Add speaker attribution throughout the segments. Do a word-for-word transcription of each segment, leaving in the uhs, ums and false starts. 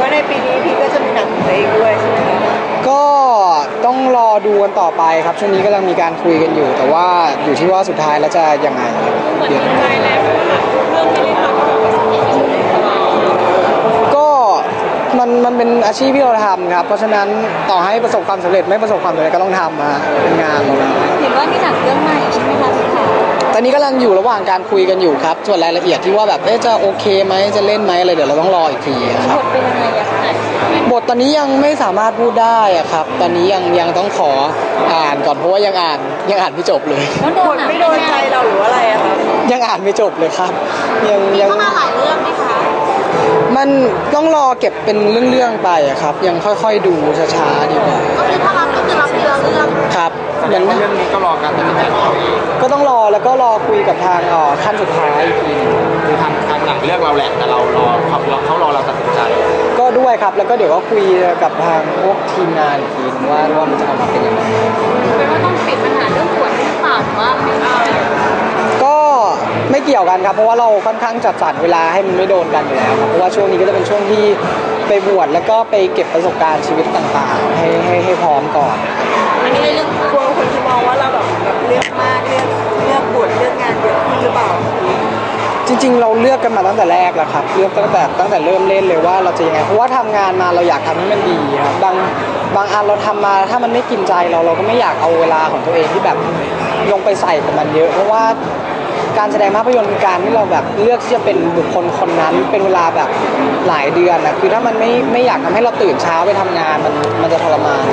Speaker 1: ว่าในปีนี้พีก็จะมีหนังของตัวเองด้วยใช่ไหมคะ
Speaker 2: ก็ต้องรอดูกันต่อไปครับช่วงนี้กำลังมีการคุยกันอยู่แต่ว่าอยู่ที่ว่าสุดท้ายแล้วจะยังไงเดี๋ยวใจแล้วเรื่องที่ได้ทำก็มันมันเป็นอาชีพที่เราทำครับเพราะฉะนั้นต่อให้ประสบความสำเร็จไม่ประสบความสำเร็จก็ต้องทำนะเป็นงานเรา
Speaker 3: เห็นว่ามีหนังเรื่องใหม่ใช่ไหมคะพี่ขา
Speaker 2: ตอนนี้กำลังอยู่ระหว่างการคุยกันอยู่ครับส่วนรายละเอียดที่ว่าแบบเอ๊ะจะโอเคไหมจะเล่นไหมอะไรเดี๋ยวเราต้องรออีกทีครับ
Speaker 3: บทเป็นยังไงอะคะ
Speaker 2: บทตอนนี้ยังไม่สามารถพูดได้อะครับตอนนี้ยังยังต้องขออ่านก่อนเพราะว่ายังอ่านยังอ่านไม่จบเลย
Speaker 1: บทไม่โดนใจเราหรืออะไรอะครับ
Speaker 2: ยังอ่านไม่จบเลยครับยัง
Speaker 3: ยังเข้ามาหลายเรื่องไหมคะ
Speaker 2: มันต้องรอเก็บเป็นเรื่องๆไปอะครับยังค่อยๆดูช้าๆดีกว่า
Speaker 3: ก็คือถ้ารับก็คือรับทีละเรื่อง
Speaker 2: ครับ
Speaker 4: เรื่องนี้ก็รอการตัดสินใจของเราเอง
Speaker 2: ก็ต้องรอแล้วก็รอคุยกับทางอ๋อขั้นสุดท้ายอีกทีนึง
Speaker 4: คือทางทางหนังเลือกเราแหละแต่เรารอเขาเขารอเราตัดสินใจ
Speaker 2: ก็ด้วยครับแล้วก็เดี๋ยวก็คุยกับทางพวกทีมงานอีกทีนึงว่าว่ามันจะออกมาเป็นยังไง
Speaker 3: เป็นว่าต้องปิดปัญหาเรื่องขวดหรือเปล่าว่าไม่เอา
Speaker 2: ก็ไม่เกี่ยวกันครับเพราะว่าเราค่อนข้างจัดสรรเวลาให้มันไม่โดนกันอยู่แล้วครับเพราะว่าช่วงนี้ก็จะเป็นช่วงที่ไปบวชแล้วก็ไปเก็บประสบการณ์ชีวิตต่างๆให้ให้ให้พร้อมก่อน
Speaker 1: อันนี้เรื่องกลัวคนที่มองว่าเราแบบแบบเลือกมากเลือกเลือกบวชเลือกงานเยอะขึ้นหรือเปล่า
Speaker 2: จริงๆเราเลือกกันมาตั้งแต่แรกแล้วครับเลือกตั้งแต่ตั้งแต่เริ่มเล่นเลยว่าเราจะยังไงเพราะว่าทำงานมาเราอยากทำให้มันดีครับบางบางอันเราทำมาถ้ามันไม่กินใจเราเราก็ไม่อยากเอาเวลาของตัวเองที่แบบลงไปใส่กับมันเยอะเพราะว่าการแสดงภาพยนตร์คือการที่เราแบบเลือกที่จะเป็นบุคคลคนนั้นเป็นเวลาแบบหลายเดือนนะคือถ้ามันไม่ไม่อยากทำให้เราตื่นเช้าไปทำงานมันมันจะทรมาน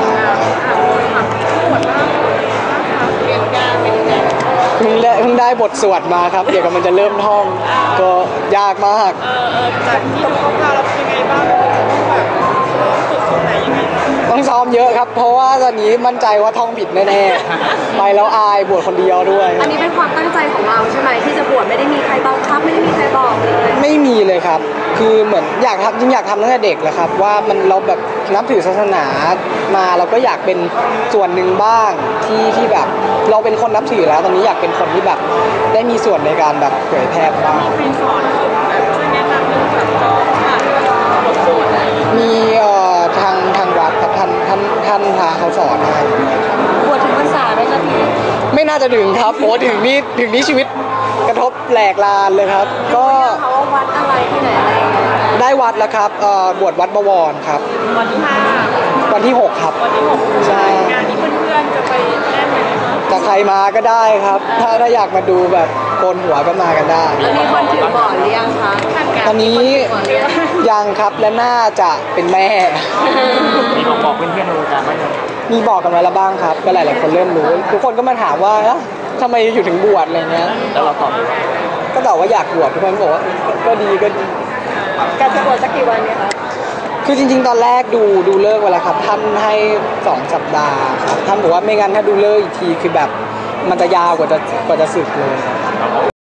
Speaker 2: เพิ่งได้เพิ่งได้บทสวดมาครับเดี๋ยวมันจะเริ่มท่องก็ยากมาก
Speaker 1: เออเออจากที่ต้องท่องมาแล้วเป็นยังไงบ้างต้องแบบฝึกตรงไหนยังไง
Speaker 2: ต้องซ้อมเยอะครับเพราะว่าตอนนี้มั่นใจว่าท่องผิดแน่ๆไปแล้วอายบวชคนเดียวด้วย
Speaker 3: อันนี้เป็นความตั้งใจของเราใช่ไหมที่จะบวชไม่ได้มีใครบังคับไม่ได้มีใครบอกเลย
Speaker 2: ไม่มีเลยครับคือเหมือนอยากทำจริงอยากทำตั้งแต่เด็กแหละครับว่ามันเราแบบนับถือศาสนามาเราก็อยากเป็นส่วนหนึ่งบ้างที่ที่แบบเราเป็นคนนับถือแล้วตอนนี้อยากเป็นคนที่แบบได้มีส่วนในการแบบเผยแพร่บ้าง
Speaker 1: มีใครสอนช่วยแนะนำเรื่องแบบจองอ่านบทสวด
Speaker 2: มีเอ่อทางทางวัดครับท่านท่านท่านพาเขาสอนให้
Speaker 3: บวชถึงพรรษาไหมคะพี่
Speaker 2: ไม่น่าจะถึงครับโอ้ถึงนี่ถึงนี่ชีวิตกระทบแหลกลานเลยครับก็
Speaker 3: เขาวัดอะไรที่ไหนอะไร
Speaker 2: ได้วัดแล้วครับเอ่อบวชวัดบวรครับ
Speaker 1: วันที่ห้า
Speaker 2: วันที่หกครับ
Speaker 1: วันที่หกใช่งานนี้เพื่อนๆจะไปแน่นไหมคะ
Speaker 2: ถ้าใครมาก็ได้ครับถ้าถ้าอยากมาดูแบบโกนหัวก็มากันได้
Speaker 3: แล้วมีคนถือบอร์ดหรือยังคะ
Speaker 2: ตอนนี้ยังครับและน่าจะเป็นแม่
Speaker 4: มีบอกบอกเพื่อนๆในวงการไหม
Speaker 2: มีบอกกันไว้แล้วบ้างครับก็หลายๆคนเริ่มรู้ทุกคนก็มาถามว่าทำไมอยู่ถึงบวชอะไรเงี้ย
Speaker 4: แล้วเราตอบ
Speaker 2: ก็ตอบว่าอยากบวชทุกคนบอกว่าก็ดีก็ดี
Speaker 1: การจะบวชสักกี่วันเนี่ยคะ
Speaker 2: คือจริงๆตอนแรกดูดูเลิกเวลาครับท่านให้สองสัปดาห์ครับท่านบอกว่าไม่งั้นถ้าดูเลิกอีกทีคือแบบมันจะยาวกว่าจะกว่าจะสึกเลย